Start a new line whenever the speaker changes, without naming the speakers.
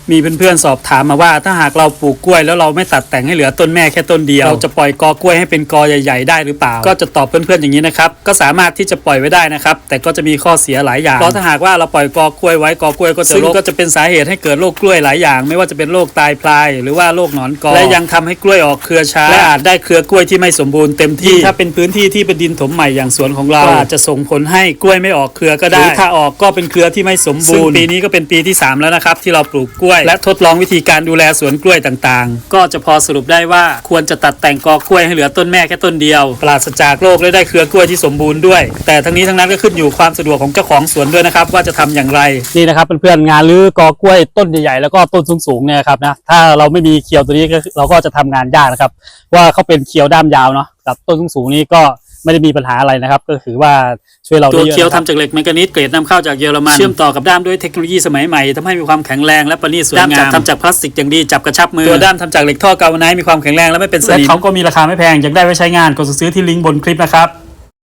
มีเพื่อนๆสอบถามมาว่าถ้าหากเราปลูกกล้วยแล้วเราไม่ตัดแต่งให้เหลือต้นแม่แค่ต้นเดียวเราจะปล่อยกอกล้วยให้เป็นกอใหญ่ๆได้หรือเปล่าก็จะตอบเพื่อนๆอย่างนี้นะครับก็สามารถที่จะปล่อยไว้ได้นะครับแต่ก็จะมีข้อเสียหลายอย่างเพราะถ้าหากว่าเราปล่อยกอกล้วยไว้กอกล้วยก็จะก็จะเป็นสาเหตุให้เกิดโรคกล้วยหลายอย่างไม่ว่าจะเป็นโรคตายพลายหรือว่าโรคหนอนกอและยังทำให้กล้วยออกเครือช้าและอาจได้เครือกล้วยที่ไม่สมบูรณ์เต็มที่ถ้าเป็นพื้นที่ที่เป็นดินถมใหม่อย่างสวนของเราอาจจะส่งผลให้กล้วยไม่ออกเครือก็ได้หรือถ้าออกก็เป็นเครือที่ไม่สมบูรณ์ปีนี้ก็เป็นปีที่3แล้วนะครับที่เราปลูกกล้วยและทดลองวิธีการดูแลสวนกล้วยต่างๆก็จะพอสรุปได้ว่าควรจะตัดแต่งกอกล้วยให้เหลือต้นแม่แค่ต้นเดียวปราศจากโรคและได้เครือกล้วยที่สมบูรณ์ด้วยแต่ทั้งนี้ทั้งนั้นก็ขึ้นอยู่ความสะดวกของเจ้าของสวนด้วยนะครับว่าจะทำอย่างไรนี่นะครับเพื่อนๆงานรื้อกอกล้วยต้นใหญ่ๆแล้วก็ต้นสูงๆเนี่ยครับนะถ้าเราไม่มีเขียวตัวนี้เราก็จะทำงานยากนะครับว่าเขาเป็นเขียวด้ามยาวเนาะกับต้นสูงๆนี้ก็ไม่ได้มีปัญหาอะไรนะครับก็คือว่าช่วยเราได้เยอะตัวเคียวทำจากเหล็กแมงกานีสเกรดนำเข้าจากเยอรมันเชื่อมต่อกับด้ามด้วยเทคโนโลยีสมัยใหม่ทำให้มีความแข็งแรงและประณีตสวยงามทำจากพลาสติกอย่างดีจับกระชับมือตัวด้ามทำจากเหล็กท่อกาวไนท์มีความแข็งแรงและไม่เป็นสนิมและเขาก็มีราคาไม่แพงอยากได้ไว้ใช้งานกดซื้อที่ลิงก์บนคลิปนะครับ